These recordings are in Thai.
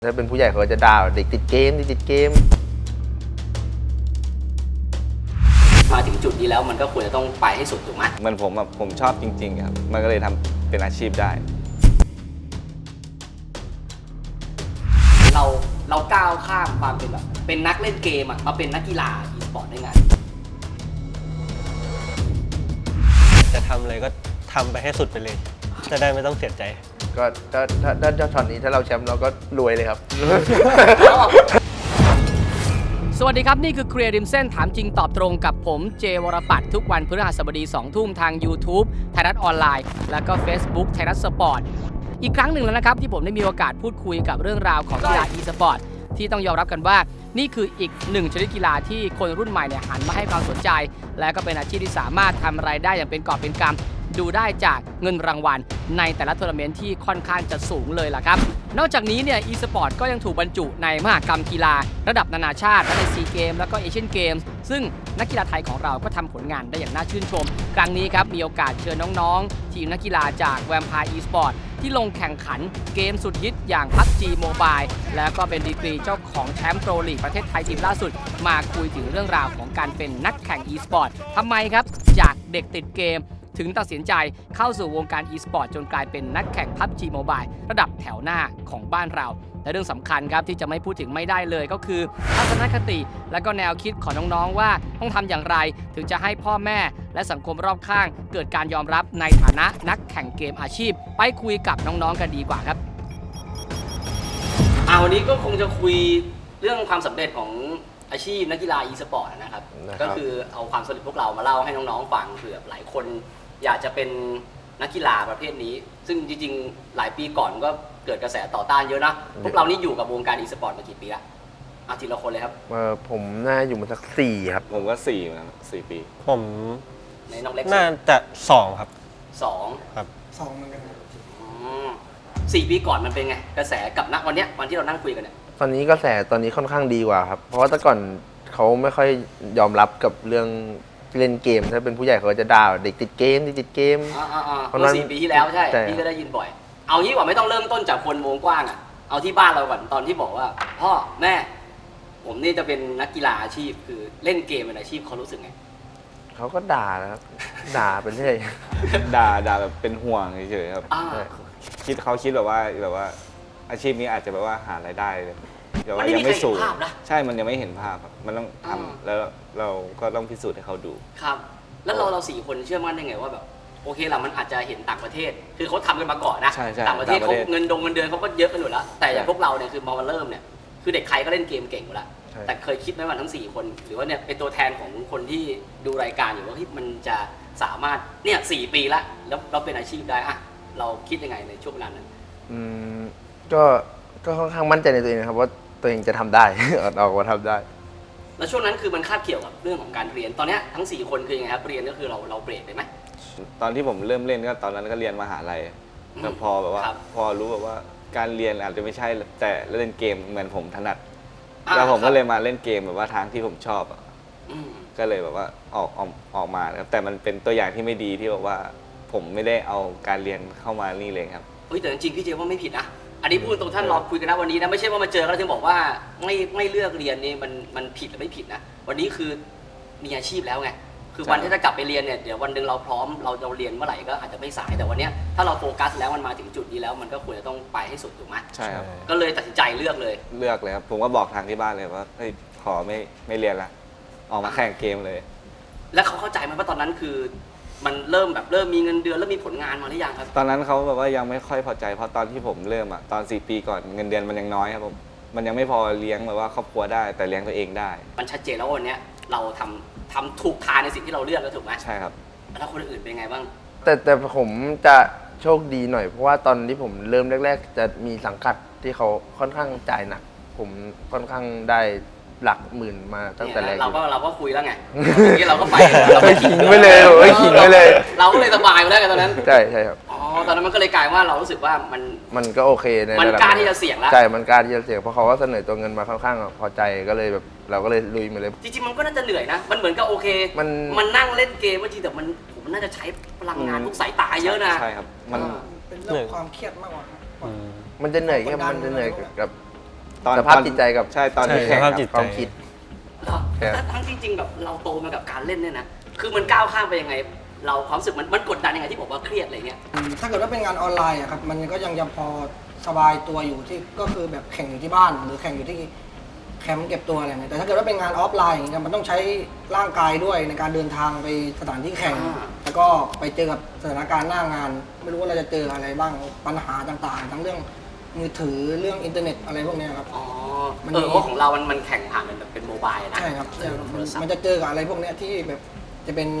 ถ้าเป็นผู้ใหญ่เขาจะด่าเด็กติดเกมมาถึงจุดนี้แล้วมันก็ควรจะต้องไปให้สุดถูกไหมมันผมชอบจริงๆครับมันก็เลยทำเป็นอาชีพได้เราก้าวข้ามความเป็นแบบเป็นนักเล่นเกมมาเป็นนักกีฬาอีสปอร์ตได้ไงจะทำเลยก็ทำไปให้สุดไปเลยจะได้ไม่ต้องเสียใจก็ถ้าช็อตนี้ถ้าเราแชมป์เราก็รวยเลยครับสวัสดีครับนี่คือเคลียร์ริมเส้นถามจริงตอบตรงกับผมเจวรปัตรทุกวันพฤหัสบดี 2 ทุ่มทาง YouTube ไทยรัฐออนไลน์แล้วก็ Facebook ไทยรัฐสปอร์ตอีกครั้งหนึ่งแล้วนะครับที่ผมได้มีโอกาสพูดคุยกับเรื่องราวของกีฬา e-sport ที่ต้องยอมรับกันว่านี่คืออีกหนึ่งชนิดกีฬาที่คนรุ่นใหม่เนี่ยหันมาให้ความสนใจและก็เป็นอาชีพที่สามารถทำรายได้อย่างเป็นกอบเป็นกำดูได้จากเงินรางวัลในแต่ละทัวร์นาเมนต์ที่ค่อนข้างจะสูงเลยล่ะครับนอกจากนี้เนี่ย e-sport ก็ยังถูกบรรจุในมหกรรมกีฬาระดับนานาชาติทั้งในซีเกมแล้วก็เอเชียนเกมส์ซึ่งนักกีฬาไทยของเราก็ทำผลงานได้อย่างน่าชื่นชมครั้งนี้ครับมีโอกาสเชิญน้องๆทีมนักกีฬาจาก Vampire e-sport ที่ลงแข่งขันเกมสุดฮิตอย่าง PUBG Mobile แล้วก็เป็นดีกรีเจ้าของแชมป์โปรลีกประเทศไทยทีมล่าสุดมาคุยถึงเรื่องราวของการเป็นนักแข่ง e-sport ทำไมครับจากเด็กติดเกมถึงตัดสินใจเข้าสู่วงการ e-sport จนกลายเป็นนักแข่ง PUBG Mobile ระดับแถวหน้าของบ้านเราและเรื่องสำคัญครับที่จะไม่พูดถึงไม่ได้เลยก็คือทัศนคติและก็แนวคิดของน้องๆว่าต้องทำอย่างไรถึงจะให้พ่อแม่และสังคมรอบข้างเกิดการยอมรับในฐานะนักแข่งเกมอาชีพไปคุยกับน้องๆกันดีกว่าครับวันนี้ก็คงจะคุยเรื่องความสำเร็จของอาชีพนักกีฬา e-sport นะครับก็คือเอาความสำเร็จพวกเรามาเล่าให้น้องๆฟังเผื่อหลายคนอยากจะเป็นนักกีฬาประเภทนี้ซึ่งจริงๆหลายปีก่อนก็เกิดกระแสต่อต้านเยอะนะพวกเรานี่อยู่กับวงการ e-sport มากี่ปีละทีละคนเลยครับผมน่าอยู่มาสัก4ครับผมก็4นะ4 ปีผมในน้องเล็กน่าจะ2ครับ 2 ครับ 2เหมือนกัน 4 ปีก่อนมันเป็นไงกระแสกับณวันเนี้ยวันที่เรานั่งคุยกันเนี่ยตอนนี้กระแสตอนนี้ค่อนข้างดีกว่าครับเพราะว่าแต่ก่อนเขาไม่ค่อยยอมรับกับเรื่องเล่นเกมถ้าเป็นผู้ใหญ่เขาจะด่าเด็กติดเกมเมื่อ4 ปีที่แล้วใช่พี่ก็ได้ยินบ่อยเอางี้ว่าไม่ต้องเริ่มต้นจากคนวงกว้างเอาที่บ้านเราก่อนตอนที่บอกว่าพ่อแม่ผมนี่จะเป็นนักกีฬาอาชีพคือเล่นเกมเป็นอาชีพเขารู้สึกไงเขาก็ด่านะครับด่าไปเรื่อยด่าแบบเป็นห่วงเฉยๆครับเขาคิดแบบว่าอาชีพนี้อาจจะแบบว่าหารายได้เลยแต่ว่ายังไม่สูงใช่มันยังไม่เห็นภาพครับมันต้องทำแล้วเราก็ต้องพิสูจน์ให้เขาดูครับแล้วเรา4 คนเชื่อมั่นได้ไงว่าแบบโอเคล่ะมันอาจจะเห็นต่างประเทศคือเขาทำกันมาก่อนนะต่างประเทศเขาเงินเดือนเขาก็เยอะกันอยู่แล้วแต่อย่างพวกเราเนี่ยคือมาเริ่มเนี่ยคือเด็กใครก็เล่นเกมเก่งอยู่แล้วแต่เคยคิดไหมว่าทั้ง4 คนหรือว่าเนี่ยเป็นตัวแทนของคนที่ดูรายการอยู่ว่ามันจะสามารถเนี่ย4 ปีแล้วเราเป็นอาชีพได้เราคิดยังไงในช่วงเวลานั้นก็ค่อนข้างมั่นใจในตัวเองนะครับว่าตัวเองจะทำได้ ออกมาทำได้แล้วช่วงนั้นคือมันคาบเกี่ยวกับเรื่องของการเรียนตอนนี้ทั้ง4 คนคือยังไงครับเรียนก็คือเราเบรกได้ไหมตอนที่ผมเริ่มเล่นก็ตอนนั้นก็เรียนมหาลัยแต่พอแบบว่าพอรู้แบบว่าการเรียนอาจจะไม่ใช่แต่เล่นเกมเหมือนผมถนัดแล้วผมก็เลยมาเล่นเกมแบบว่าทางที่ผมชอบก็เลยแบบว่าออกมาครับแต่มันเป็นตัวอย่างที่ไม่ดีที่แบบว่าผมไม่ได้เอาการเรียนเข้ามานี่เลยครับแต่จริงๆพี่เจว่าไม่ผิดนะอันนี้พูดตรงท่านรอคุยกันนะวันนี้นะไม่ใช่ว่ามาเจอแล้วถึงบอกว่าไม่เลือกเรียนนี่มันผิดหรือไม่ผิดนะวันนี้คือมีอาชีพแล้วไงคือวันที่จะกลับไปเรียนเนี่ยเดี๋ยววันหนึ่งเราพร้อมเราเรียนเมื่อไหร่ก็อาจจะไม่สายแต่วันนี้ถ้าเราโฟกัสแล้วมันมาถึงจุดนี้แล้วมันก็ควรจะต้องไปให้สุดถูกไหมใช่ครับก็เลยตัดสินใจเลือกเลยครับผมก็บอกทางที่บ้านเลยว่าเฮ้ยขอไม่เรียนละออกมาแข่งเกมเลยแล้วเขาเข้าใจไหมว่าตอนนั้นคือมันเริ่มมีเงินเดือนแล้วมีผลงานมาหรือยังครับตอนนั้นเขาแบบว่ายังไม่ค่อยพอใจเพราะตอนที่ผมเริ่มตอน4 ปีก่อนเงินเดือนมันยังน้อยครับผมมันยังไม่พอเลี้ยงแบบว่าครอบครัวได้แต่เลี้ยงตัวเองได้มันชัดเจนแล้ววันนี้เราทำถูกทางในสิ่งที่เราเลือกแล้วถูกไหมใช่ครับแล้วคนอื่นเป็นไงบ้างแต่ผมจะโชคดีหน่อยเพราะว่าตอนที่ผมเริ่มแรกๆจะมีสังกัดที่เขาค่อนข้างจ่ายหนักผมค่อนข้างได้หลักหมื่นมาตั้งแต่แรกเราก็คุยแล้วไงที่เราก็ไปเราไปขิงไปเลยขิงไปเลยเราก็เลยสบายไปแล้วไงตอนนั้นใช่ครับตอนนั้นมันก็เลยกลายว่าเรารู้สึกว่ามันก็โอเคในมันกล้าที่จะเสี่ยงแล้วใช่มันกล้าที่จะเสี่ยงเพราะเขาก็เสนอตัวเงินมาค่อนข้างพอใจก็เลยแบบเราก็เลยลุยมาเลยจริงๆมันก็น่าจะเหนื่อยนะมันเหมือนกับโอเคมันนั่งเล่นเกมจริงแต่มันน่าจะใช้พลังงานทุกสายตาเยอะนะใช่ครับมันเป็นเรื่องความเครียดมากกว่ามันจะเหนื่อยแค่มันจะเหนื่อยกับสภาพจิตใจกับใช่ตอนที่ใช่แข่งสภาพคจิรัตบใจความคิดเหรอครับแต่ทั้งที่จริงแบบเราโตมากับการเล่นเนี่ยนะคือมันก้าวข้ามไปยังไง เราความรู้สึกมันกดดันยังไงที่บอกว่าเครียดอะไรเงี้ยถ้าเกิดว่าเป็นงานออนไลน์อะครับมันก็ยังพอสบายตัวอยู่ที่ก็คือแบบแข่งอยู่ที่บ้าน หรือแข่งอยู่ที่แคมป์เก็บตัวอะไรอย่างเงี้ยแต่ถ้าเกิดว่าเป็นงานออฟไลน์อย่างเงี้ยมันต้องใช้ร่างกายด้วยในการเดินทางไปสถานที่แข่ง แล้วก็ไปเจอกับสถานการณ์หน้างาน ไม่รู้ว่าเราจะเจออะไรบ้างปัญหาต่างๆ ทั้งเรื่องมือถือเรื่องอินเทอร์เน็ตอะไรพวกเนี้ยครับอ๋อมันเพราะของเรามันแข่งผ่านเป็นแบบเป็นโมบายนะใช่ครับโทรศัพมันท์จะเจอกับอะไรพวกเนี้ยที่แบบจะเป็น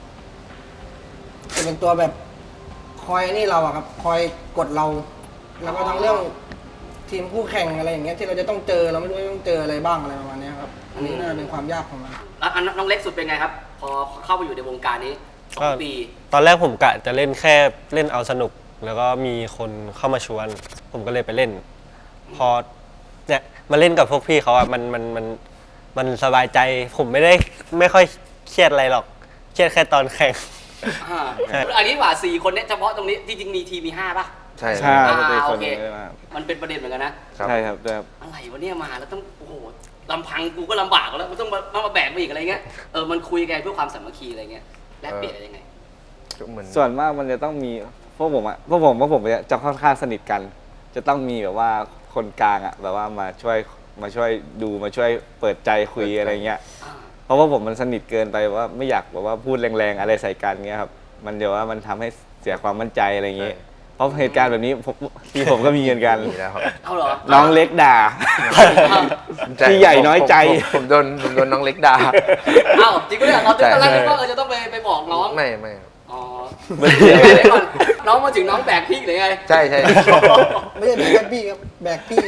ตัวแบบคอยนี่เราอะครับคอยกดเรา แล้วก็ทั้งเรื่องทีมคู่แข่งอะไรอย่างเงี้ยที่เราจะต้องเจอเราไม่รู้ว่าต้องเจออะไรบ้างอะไรประมาณเนี้ยครับอันนี้น่าจะเป็นความยากของมันแล้วอันน้องเล็กสุดเป็นไงครับ พอเข้าไปอยู่ในวงการนี้สองปีตอนแรกผมกะจะเล่นแค่เล่นเอาสนุก แล้วก็มีคนเข้ามาชวน ผมก็เลยไปเล่น พอเนี่ยมาเล่นกับพวกพี่เขาอ่ะมันสบายใจ ผมไม่ค่อยเครียดอะไรหรอกเครียดแค่ตอนแข่งอ่าใช่อันนี้ว่า4 คนเนี่ยเฉพาะตรงนี้จริงๆมีทีมมี5ป่ะใช่ใช่อ่าปกติคนโอเคเยอะมากมันเป็นประเด็นเหมือนกันนะครับใช่ครับด้วยครับอะไรวะเนี่ยมาแล้วต้องโอ้โหลำพังกูก็ลำบากแล้วมันต้องมาแบกมาอีกอะไรเงี้ยมันคุยกันเพื่อความสามัคคีอะไรเงี้ยแลกเปลี่ยนอะไรยังไงก็เหมือนส่วนมากมันจะต้องมีพวกผมจะค่อนข้างสนิทกัน จะต้องมีแบบว่าคนกลางอ่ะแบบว่ามาช่วยดูมาช่วยเปิดใจคุยอะไรเงี้ยอ่าเพราะว่าผมมันสนิทเกินไปว่าไม่อยากแบบว่าพูดแรงๆอะไรใส่กันเงี้ยครับมันเดี๋ยวว่ามันทำให้เสียความมั่นใจอะไรเงี้ยเพราะเหตุการณ์แบบนี้ผมก็มีเหมือนกันมีแล้วครับเอาเหรอน้องเล็กด่า พี่ใหญ่น้อยใจผมโดนน้องเล็กด่าเอ้าจริงปะเนี่ยเราใช่ตอนแรกนึกว่าจะต้องไปบอกน้องไม่ครับอ๋อเดี๋ยวก่อนน้องมาถึงน้องแบกพี่หรือไงใช่ใช่ไม่ใช่แบกแค่พี่ครับแบกพี่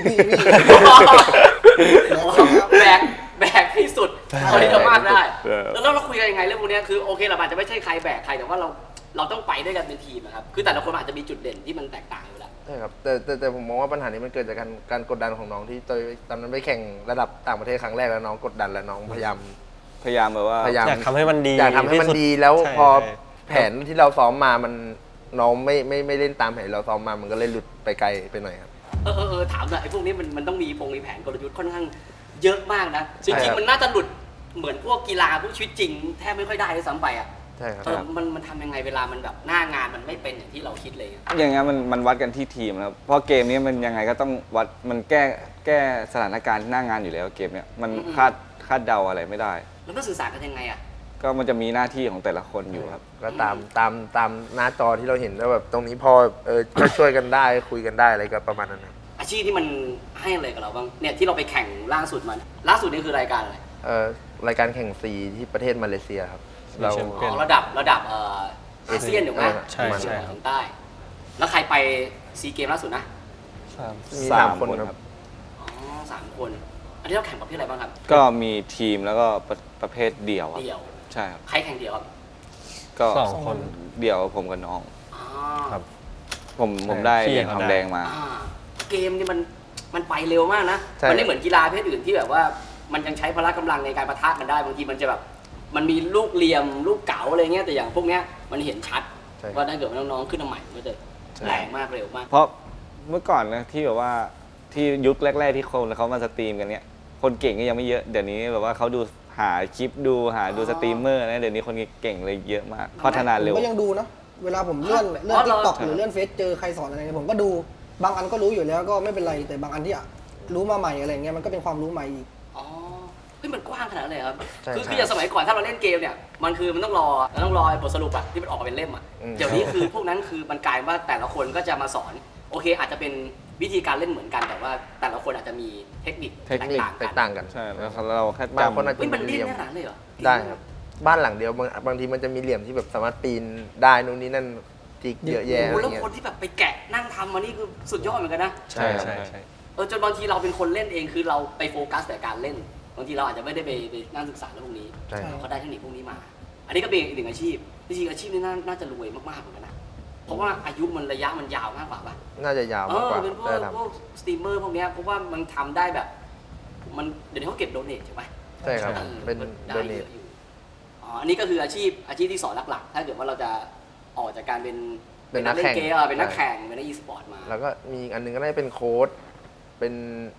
แบกที่สุดเท่าที่จะมากได้เออแล้วเราคุยกันยังไงเรื่องพวกเนี้ยคือโอเคเราอาจจะไม่ใช่ใครแบกใครแต่ว่าเราต้องไปด้วยกันเป็นทีมนะครับคือแต่ละคนอาจจะมีจุดเด่นที่มันแตกต่างอยู่แล้วใช่ครับแต่ผมมองว่าปัญหานี้มันเกิดจากการกดดันของน้องที่ตอนนั้นไปแข่งระดับต่างประเทศครั้งแรกแล้วน้องกดดันแล้วน้องพยายามแบบว่าอยากทำให้มันดีอยากทำให้มันที่สุดดีแล้วใช่พอใช่แผนที่เราซ้อมมามันน้องไม่เล่นตามแผนที่เราซ้อมมามันก็เลยหลุดไปไกลไปหน่อยครับถามหน่อยไอ้พวกนี้มันต้องมีแผนกลยุทธ์ค่อนข้างเยอะมากนะจใช่ริงครับๆมันน่าจะหลุดเหมือนพวกกีฬาพวกชีวิตจริงแทบไม่ค่อยได้ด้วยซ้ำไปอ่ะใช่ครับมันทำยังไงเวลามันแบบหน้างานมันไม่เป็นอย่างที่เราคิดเลยอะอย่างเงี้ยมันวัดกันที่ทีมนะครับเพราะเกมนี้มันยังไงก็ต้องวัดมันแก้สถานการณ์หน้างานอยู่แล้วเกมเนี้ยมันคาดเดาอะไรไม่ได้แล้วต้องสื่อสารกันยังไงอ่ะก็มันจะมีหน้าที่ของแต่ละคนอยู่ครับก็ตามหน้าจอที่เราเห็นแล้วแบบตรงนี้พอก็ช่วยกันได้คุยกันได้อะไรก็ประมาณนั้นครับอาชีพที่มันให้อะไรกับเราบ้างเนี่ยที่เราไปแข่งล่าสุดนี่คือรายการอะไรรายการแข่งซีที่ประเทศมาเลเซียครับมีเราแชมเปี้ยนระดับอาเซียนถูกไหมใช่ใช่ครับทางใต้ แล้วใครไปซีเกมล่าสุดนะมีสาม 3 คนคนคครัรับบอ๋อ3 คน อันนี้เราแข่งประเภทอะไรบ้างครับก็มีทีมแล้วก็ประเภทเดี่ยวครับเดี่ยวใช่ครับใครแข่งเดี่ยวครับก็สองคนเดี่ยวผมกับน้องอ๋อครับผมได้พี่เหรียญเขาทองได้แดงมาเกมนี่มันไปเร็วมากนะใช่มันไม่เหมือนกีฬาประเภทอื่นที่แบบว่ามันยังใช้พละกำลังในการปะทะกันได้บางทีมันจะแบบมันมีลูกเหลี่ยมลูกเก๋าอะไรเงี้ยแต่อย่างพวกเนี้ยมันเห็นชัดใช่ว่าถ้าเกิดว่าน้องๆขึ้นมาใหม่มันก็จะแรงมากเร็วมากเพราะเมื่อก่อนนะที่แบบว่าที่ยุคแรก ๆ ที่คนเขามาสตรีมกันเนี่ยคนเก่งก็ยังไม่เยอะเดี๋ยวนี้แบบว่าเขาดูหาคลิปดูดูสตรีมเมอร์นะเดี๋ยวนี้คนเก่งเลยเยอะมากพัฒนาผมเร็วก็ยังดูนะเวลาผมเลื่อนอ๋อเหรทิอกตอกหรือเลื่อนเฟซเจอใครสอนอะไรเนี่ยผมก็ดูบางอันก็รู้อยู่แล้วก็ไม่เป็นไรแต่บางอันที่รู้มาใหม่อะไรเงี้ยมันก็เป็นความรู้ใหม่อีกอ๋อเฮ้ยมันกว้างขนาดนั้นเลยครับใช่คือใช่อย่างสมัยก่อนถ้าเราเล่นเกมเนี่ยมันคือมันต้องรอไอ้บทสรุปอะที่มันออกมาเป็นเล่มอะอืมเดี๋ยวนี้คือพวกนั้นคือมันกลายว่าแต่ละคนก็จะมาสอนโอเค อาจจะเป็นวิธีการเล่นเหมือนกันแต่ว่าแต่ละคนอาจจะมีเทคนิคเทคนิคแตกต่างกันใช่แล้วเราแค่บางคนจำอาจจะเฮ้ยมันมีดิ้เหนลี่ยมขนาดนั้นเลยเหรอได้ครับ บ้านหลังเดียวบางทีมันจะมีเหลี่ยมที่แบบสามารถปีนได้นู่นนี่นั่นจิกเยอะแยะโอ้อะโหไรแล้วเงี้ยคนที่แบบไปแกะนั่งทำมานี่คือสุดยอดเหมือนกันนะใช่ใช่ใช่จนบางทีเราเป็นคนเล่นเองคือเราไปโฟกัสแต่การเล่นบางทีเราอาจจะไม่ได้ไปนั่งศึกษาเรื่องพวกนี้ใช่ครับเขาได้เทคนิคพวกนี้มา อันนี้ก็เป็นอีกหนึ่งอาชีพจริงๆอาชีพนี้น่าจะรวยมากๆเหมือนกันนะเพราะว่าอายุมันระยะมันยาวมากกว่าป่ะน่าจะยาวมากกว่าเป็นพวได้กทสตรีมเมอร์พวกเนี้ยเพราะว่ามันทำได้แบบมันเดี๋ยวนี้เขาเก็บโดเนทใช่ไหมำใช่ครับ เป็นได้โดเยเนทอะอยู่อันนี้ก็คืออาชีพที่สอนหลักๆ ถ้าเกิดว่าเราจะออกจากการเป็นเป็นนักแข่งเล่นเกมเป็นนักแข่งเป็นนักอีสปอร์ตมาแล้วก็มีอีกอันหนึงก็ได้เป็นโค้ดเป็น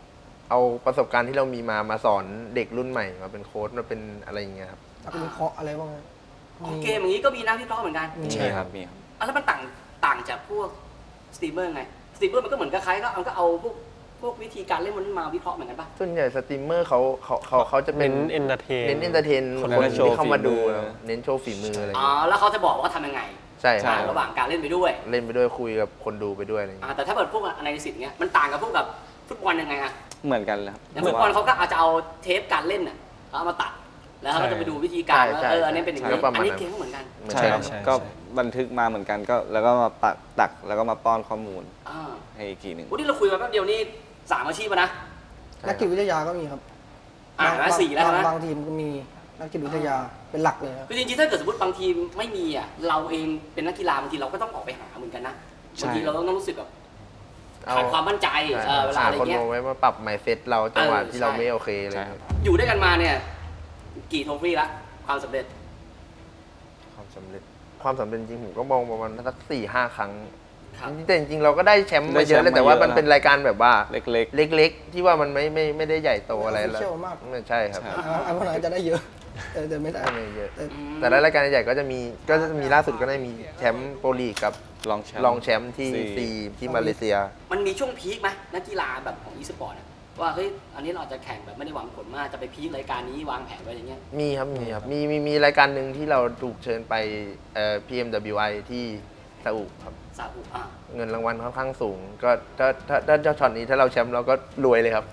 เอาประสบการณ์ที่เรามีมาสอนเด็กรุ่นใหม่มาเป็นโค้ชมาเป็นอะไรอย่างเงี้ยครับนักวิเคราะห์อะไรบ้างไหมของเกมอย่างนี้ก็มีนักวิเคราะห์เหมือนกันใช่ครับมีครับแล้วมันต่างจากพวกสตรีมเมอร์ไงสตรีมเมอร์มันก็เหมือนกับใครก็เอาพวกวิธีการเล่นมันมาวิเคราะห์เหมือนกันปะส่วนใหญ่สตรีมเมอร์เขาจะเป็เน้นนเอนเตอร์เทนเน้นเอนเตอร์เทนคนคนละโชว์ที่เข้ามาดูฝีมือแล้วเน้นโชว์ฝีมืออะไรอย่างอ๋อเงี้ยแล้วเขาจะบอกว่าทำยังไงใช่ครับระหว่างการเล่นไปด้วยเล่นไปด้วยคุยกับคนดูไปด้วยอะไรอย่างเงี้ยแต่ถ้าเกิดพวกอนาลิซิสเงี้ยมันต่างกับพวกแบบฟุตบอลยังไงอะเหมือนกันเลยครับอย่างฟุตบอลเขาก็อาจจะเอาเทปการเล่นน่ะเอามาตัด แล้วเขาก็จะไปดูวิธีการว่าอันนี้เป็นอย่างนี้อันนี้เกมก็เหมือนกันเหมือนใช่กันครับ ก็บันทึกมาเหมือนกันก็แล้วก็มาตักแล้วก็มาป้อนข้อมูลอ่าให้อีกทีหนึ่งวันนี้เราคุยมาแป๊บเดียวนี่3 อาชีพแล้วนะนักจิตวิทยาก็มีครับแล้ว4แล้วนะบางทีมก็มีนักจิตวิทยาเป็นหลักเลยครับคือจริงๆถ้าเกิดสมมติบางทีมไม่มีอ่ะเราเองเป็นนักกีฬาบางทีเราก็ต้องออกไปหาเหมือนกันนะบางทีเราต้องรู้สึกแบบขาดความมั่นใจเวลาอะไรคนเงี้ยมาไว้มาปรับไมเซ็ตเราจังหวะที่เราใช่ไม่โอเคอะไรใช่เงี้ยอยู่ด้วยกันมาเนี่ยกี่โทฟี่ละความสำเร็จความสำเร็จจริงผมก็มองประมาณสัก4-5 ครั้งครับแต่จริงๆเราก็ได้แชมป์มาเยอะแล้วแต่ว่ามันเป็นรายการแบบว่าเล็กเล็กๆ ที่ว่ามันไม่ได้ใหญ่โตอะไรแล้ว Official มากไม่ใช่ครับใช่อันพวกนั้นจะได้เยอะแต่ไม่ได้ไม่เยอะแต่แต่ละรายการใหญ่ก็จะมีล่าสุดก็ได้มีแชมป์โปรลีกกับๆลองแชมป์รองแชมป์ที่ซีซีที่มาเลเซียมันมีช่วงพีคไหมนักกีฬาแบบของอีสปอร์ตว่าเฮ้ยอันนี้เราจะแข่งแบบไม่ได้หวังผลมากจะไปพีครายการนี้วางแผนไว้อย่างเงี้ยมีครับมีรายการหนึ่งที่เราถูกเชิญไปPMWI ที่ซาอุครับซาอุเงินรางวัลค่อนข้างสูง ก็ถ้าเจ้าช็อตนี้ถ้าเราแชมป์เราก็รวยเลยครับ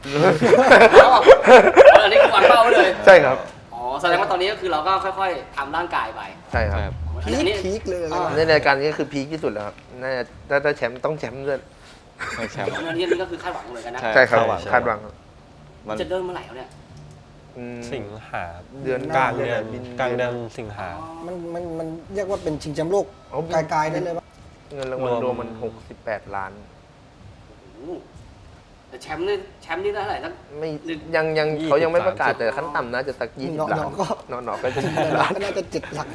อันนี้คือวางเป้าไว้เลยใช่ครับอ๋อแสดงว่าตอนนี้ก็คือเราก็ค่อยๆทำร่างกายไปใช่ครับใช่ครับอันนี้พีคเลยอะไรในรายการนี้ก็คือพีคที่สุดแล้วครับน่าจะถ้าแชมป์ต้องแชมป์ด้วยให้แชมป์อันนี้ก็คือคาดหวังเหมือนกันนะใช่ใช่ครับคาดหวังคาดหวังครับมันจะเริ่มเมื่อไหร่แล้วเนี่ยอืมสิงหาเดือนกลางเดือนบินกลางเดือนสิงหามันเรียกว่าเป็นชิงแชมป์โลกอ๋อไกลๆได้เลยปะเงินรางวัลรวมรวมมัน68 ล้านโอ้โหแต่แชมป์นี่ได้เท่าไหร่ตั้งไม่หนึ่งยัง 20 เขายังไม่ประกาศ 30 แต่ขั้นต่ำน่าจะสัก20 ล้านน้องๆก็น้องๆก็จะแต่ละก็น่าจะ7 หลัก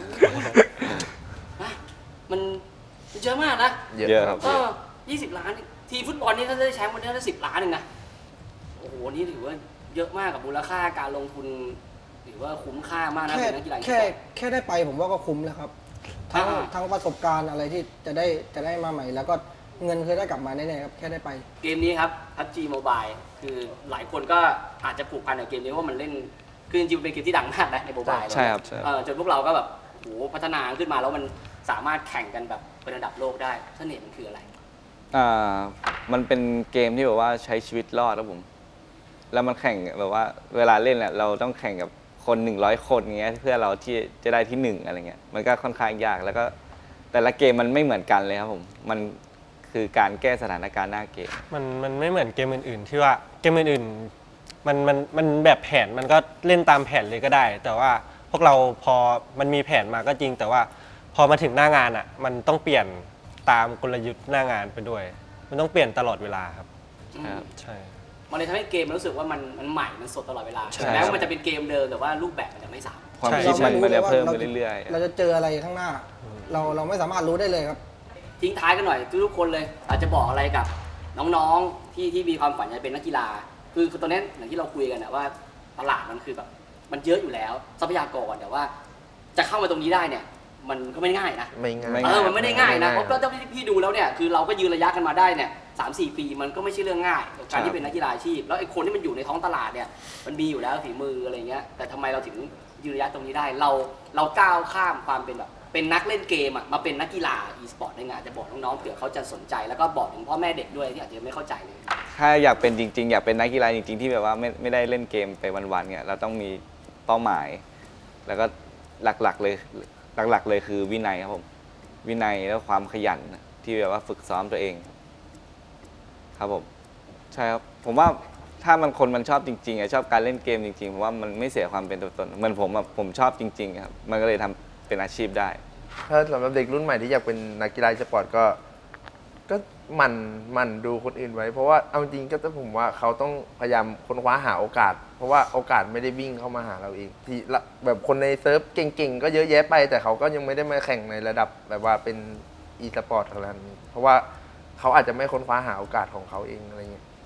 มันเยอะมากนะเยอะครับ 20 ล้าน ทีฟุตบอลนี่ถ้าได้แชมป์วันนี้ได้10 ล้านเองนะ โอ้โห นี่ถือว่าเยอะมากกับมูลค่าการลงทุนถือว่าคุ้มค่ามากนะเป็นนักกีฬาอีสปอร์ตแค่ได้ไปผมว่าก็คุ้มแล้วครับ ทั้งประสบการณ์อะไรที่จะได้มาใหม่ แล้วก็เงินเคยได้กลับมาแน่ๆครับแค่ได้ไปเกมนี้ครับ PUBG Mobile คือหลายคนก็อาจจะผูกพันกับเกมนี้ว่ามันเล่น คือจริงๆมันเป็นเกมที่ดังมากนะในโมบายใช่ครับใช่จนพวกเราก็แบบโหพัฒนาขึ้นมาแล้วมันสามารถแข่งกันแบบเป็นระดับโลกได้เสน่ห์มันคืออะไรมันเป็นเกมที่แบบว่าใช้ชีวิตรอดครับผม แล้วมันแข่งแบบว่าเวลาเล่นแหละเราต้องแข่งกับคน100 คนอย่างเงี้ยเพื่อเราที่จะได้ที่ 1อะไรเงี้ยมันก็ค่อนข้างยากแล้วก็แต่ละเกมมันไม่เหมือนกันเลยครับผมมันคือการแก้สถานการณ์หน้าเกมมันไม่เหมือนเกมอื่นๆ ที่ว่าเกมอื่นๆมันแบบแผนมันก็เล่นตามแผนเลยก็ได้ แต่ว่าพวกเราพอมันมีแผนมาก็จริง แต่ว่าพอมาถึงหน้างานอ่ะมันต้องเปลี่ยนตามกลยุทธ์หน้างานไปด้วย มันต้องเปลี่ยนตลอดเวลาครับครับใช่มันเลยทำให้เกมมันรู้สึกว่ามันใหม่ มันสดตลอดเวลาใช่แม้ว่ามันจะเป็นเกมเดิมแต่ว่ารูปแบบมันจะไม่ซ้ำความใช่คิดมันจะเพิ่มเราไปไม่รู้เลยว่าเรื่อยเราจะเจออะไรข้างหน้า เราไม่สามารถรู้ได้เลยครับทิ้งท้ายกันหน่อยทุกคนเลย อาจจะบอกอะไรกับน้องๆที่มีความฝันอยากเป็นนักกีฬา คือตอนนี้อย่างที่เราคุยกันนะว่าตลาดมันคือแบบมันเยอะอยู่แล้วทรัพยากรแต่ว่าจะเข้ามาตรงนี้ได้เนี่ย มันก็ไม่ง่ายนะไม่ง่ายมันไม่ได้ง่ายนะเพราะเจ้าที่พี่ดูแล้วเนี่ยคือเราก็ยืนระยะกันมาได้เนี่ย3-4 ปีมันก็ไม่ใช่เรื่องง่ายกับการที่เป็นนักกีฬาอาชีพแล้วไอ้คนที่มันอยู่ในท้องตลาดเนี่ยมันมีอยู่แล้วฝีมืออะไรเงี้ยแต่ทำไมเราถึงยืนระยะตรงนี้ได้เราก้าวข้ามความเป็นแบบเป็นนักเล่นเกมอะมาเป็นนักกีฬา e-sport ได้ไงจะบอกน้องๆเผื่อเขาจะสนใจแล้วก็บอกถึงพ่อแม่เด็กด้วยที่อาจจะไม่เข้าใจเลยๆถ้าอยากเป็นจริง ๆ อยากเป็นนักกีฬาจริง ๆ ที่แบบว่าไม่ได้เล่นเกมไปวันๆเนี่ยเราต้องมีเป้าหมาย แล้วก็หลักๆเลยคือวินัยครับผมวินัยแล้วความขยันที่แบบว่าฝึกซ้อมตัวเอง ครับผมใช่ครับผมว่าถ้ามันชอบจริงๆชอบการเล่นเกมจริงๆผมว่ามันไม่เสียความเป็นตัวตนเหมือนผมชอบจริงๆครับมันก็เลยทำเป็นอาชีพได้ถ้าสำหรับเด็กรุ่นใหม่ที่อยากเป็นนักกีฬาสปอร์ตก็หมันดูคนอื่นไว้ เพราะว่าเอาจริงก็ต้องผมว่าเขาต้องพยายามค้นคว้าหาโอกาส เพราะว่าโอกาสไม่ได้วิ่งเข้ามาหาเราเองที่แบบคนในเซิร์ฟเก่งๆก็เยอะแยะไป แต่เขาก็ยังไม่ได้มาแข่งในระดับแบบว่าเป็นอีสปอร์ตขนาดนี้เพราะว่าเขาอาจจะไม่ค้นคว้าหาโอกาสของเขาเองอะไรเงี้ย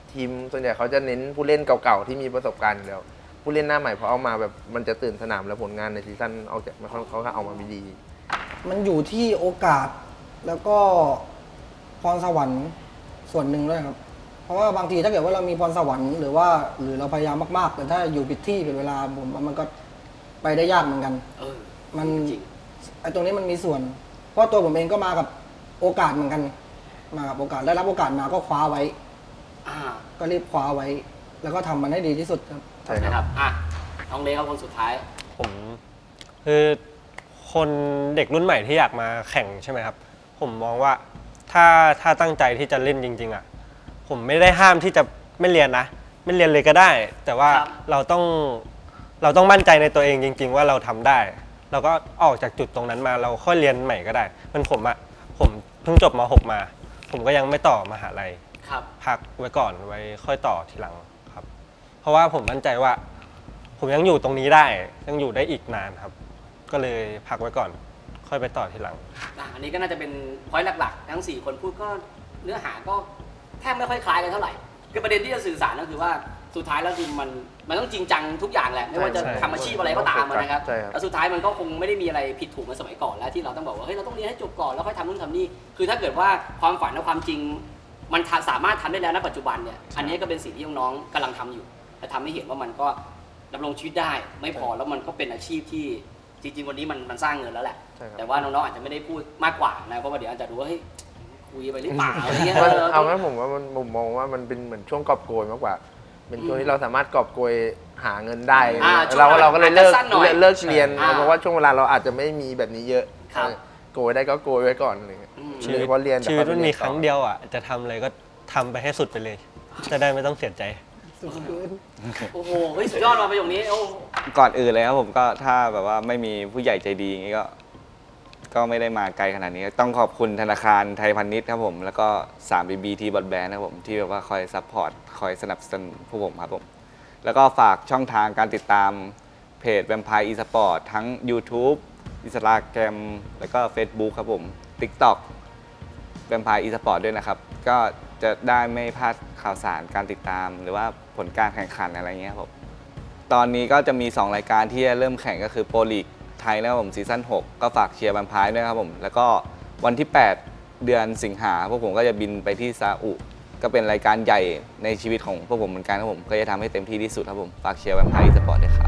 ทีมส่วนใหญ่เขาจะเน้นผู้เล่นเก่าๆที่มีประสบการณ์อยู่แล้วผู้เล่นหน้าใหม่พอเอามาแบบมันจะตื่นสนามแล้วผลงานในซีซั่นเอาจากเขาก็เอามาไม่ดีมันอยู่ที่โอกาสแล้วก็พรสวรรค์ส่วนหนึ่งด้วยครับ เพราะว่าบางทีถ้าเกิดว่าเรามีพรสวรรค์หรือเราพยายามมากๆแต่ถ้าอยู่ผิดที่ผิดเวลาผมว่ามันก็ไปได้ยากเหมือนกัน มันจริงไอ้ตรงนี้มันมีส่วน เพราะตัวผมเองก็มากับโอกาสเหมือนกัน มากับโอกาสได้รับโอกาสมาก็คว้าไว้อ่าก็รีบคว้าไว้ แล้วก็ทำมันให้ดีที่สุดครับใช่ครับนะครับอ่ะน้องเล็กครับคนสุดท้ายผมคือคนเด็กรุ่นใหม่ที่อยากมาแข่งใช่ไหมครับ ผมมองว่าถ้าตั้งใจที่จะเล่นจริง ๆอ่ะผมไม่ได้ห้ามที่จะไม่เรียนนะ ไม่เรียนเลยก็ได้ แต่ว่าครับเราต้องมั่นใจในตัวเองจริง ๆ ว่าเราทำได้ เราก็ออกจากจุดตรงนั้นมาเราค่อยเรียนใหม่ก็ได้มันผมเพิ่งจบม .6 มา ผมก็ยังไม่ต่อมหาลัยครับพักไว้ก่อนไว้ค่อยต่อทีหลังครับ เพราะว่าผมมั่นใจว่า ผมยังอยู่ตรงนี้ได้ยังอยู่ได้อีกนานครับ ก็เลยพักไว้ก่อน ค่อยไปต่อทีหลังอันนี้ก็น่าจะเป็นพอยต์หลักๆ ทั้ง 4 คนพูดก็เนื้อหาก็แทบไม่ค่อยคล้ายกันเท่าไหร่คือประเด็นที่จะสื่อสารก็คือว่าสุดท้ายแล้วคือมันต้องจริงจังทุกอย่างแหละไม่ว่าจะใช่ทำอาชีพอะไรก็ตามนะครับใช่ครับแล้วสุดท้ายมันก็คงไม่ได้มีอะไรผิดถูกเหมือนสมัยก่อนแล้วที่เราต้องบอกว่าเฮ้ยเราต้องเรียนให้จบก่อนแล้วค่อยทำนู่นทำนี่คือถ้าเกิดว่าความฝันและความจริง มันสามารถทำได้แล้วณปัจจุบันเนี่ยอันนี้ก็เป็นสิ่งที่น้องๆกำลังทำอยู่และทำให้เห็นว่ามันก็ดำรงชีวิตได้ไม่พอแล้วมันก็เป็นอาชีพที่จริงๆวันนี้มันสร้างเงินแล้วแหละใช่ครับแต่ว่าน้องๆอาจจะไม่ได้พูดมากกว่านะเพราะว่าเดี๋ยวอาจจะดูว่าเฮ้ยคุยไปหรือเปล่าอะไรเงี้ยมันเอางั้นผมว่าผมมองว่ามันเป็นเหมือนช่วงกอบโกยมากกว่า เป็นช่วงที่เราสามารถกอบโกยหาเงินได้ช่วงเราก็เลยเลิกอาจจะสั้นหน่อยเลิกเรียนอ่าเพราะว่าช่วงเวลาเราอาจจะไม่มีแบบนี้เยอะครับโกยได้ก็โกยไว้ก่อนอะไรเงี้ยชีวิตเพราะเรียนชีวิตแต่พอมันไปมีเยครั้งเดียวอ่ะจะทำอะไรก็ทำไปให้สุดไปเลย จะได้ไม่ต้องเสียใจโอ้โหเฮ้ยสุดยอดมาประโยคนี้โอ้ก่อนอื่นเลยครับผมก็ถ้าแบบว่าไม่มีผู้ใหญ่ใจดีอย่างนี้ก็ไม่ได้มาไกลขนาดนี้ ต้องขอบคุณธนาคารไทยพาณิชย์ครับผมแล้วก็ 3BB ที่บอดแบนด์นะครับผมที่แบบว่าคอยซัพพอร์ตคอยสนับสนุนพวกผมครับผมแล้วก็ฝากช่องทางการติดตามเพจแวมไพร์อีสปอร์ตทั้ง YouTube Instagram แล้วก็ Facebook ครับผม TikTok แวมไพร์อีสปอร์ตด้วยนะครับ ก็จะได้ไม่พลาดข่าวสารการติดตาม หรือว่าผลการแข่งขันอะไรเงี้ยครับผมตอนนี้ก็จะมี 2 รายการที่จะเริ่มแข่งก็คือโปรลีกไทยนะครับผมซีซั่น6ก็ฝากเชียร์แวมไพร์ด้วยครับผมแล้วก็วันที่ 8 เดือนสิงหาพวกผมก็จะบินไปที่ซาอุก็เป็นรายการใหญ่ในชีวิตของพวกผมเหมือนกันครับผมก็จะทำให้เต็มที่ที่สุดครับผมฝากเชียร์แวมไพร์อีสปอร์ตด้วยครับ